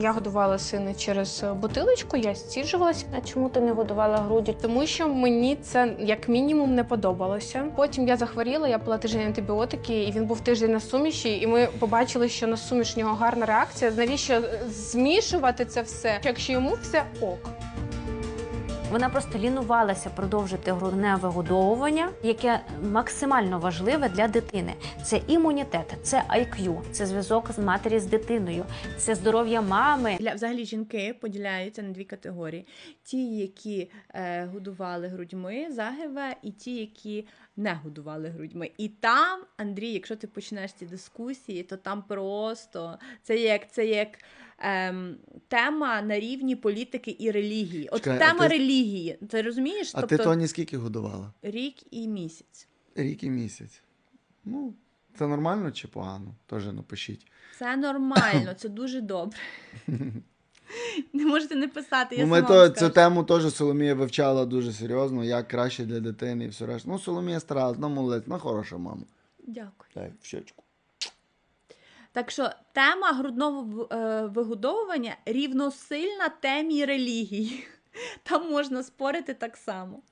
Я годувала сина через бутилочку, я стіджувалася. А чому ти не годувала груддю? Тому що мені це як мінімум не подобалося. Потім я захворіла, я пила тиждень антибіотики, і він був тиждень на суміші, і ми побачили, що на суміш в нього гарна реакція. Навіщо змішувати це все, якщо йому все ок? Вона просто лінувалася продовжити грудне вигодовування, яке максимально важливе для дитини. Це імунітет, це IQ, це зв'язок з матері з дитиною, це здоров'я мами. Взагалі жінки поділяються на дві категорії. Ті, які годували грудьми загибе, і ті, які не годували грудьми. І там, Андрій, якщо ти почнеш ці дискусії, то там просто це як тема на рівні політики і релігії. От Чекай, тема релігії, ти розумієш? А ти Тоні скільки годувала? Рік і місяць. Рік і місяць. Ну, це нормально чи погано? Теж напишіть. Це нормально, це дуже добре. Не можете не писати, я Ну, сама ми вам цю скажу. тему теж Соломія вивчала дуже серйозно, як краще для дитини і все решта. Ну, Соломія старалась, ну, молодець, ну, хороша мама. Дякую. Так, в щечку. Так що тема грудного вигодовування рівносильна темі релігії. Там можна спорити так само.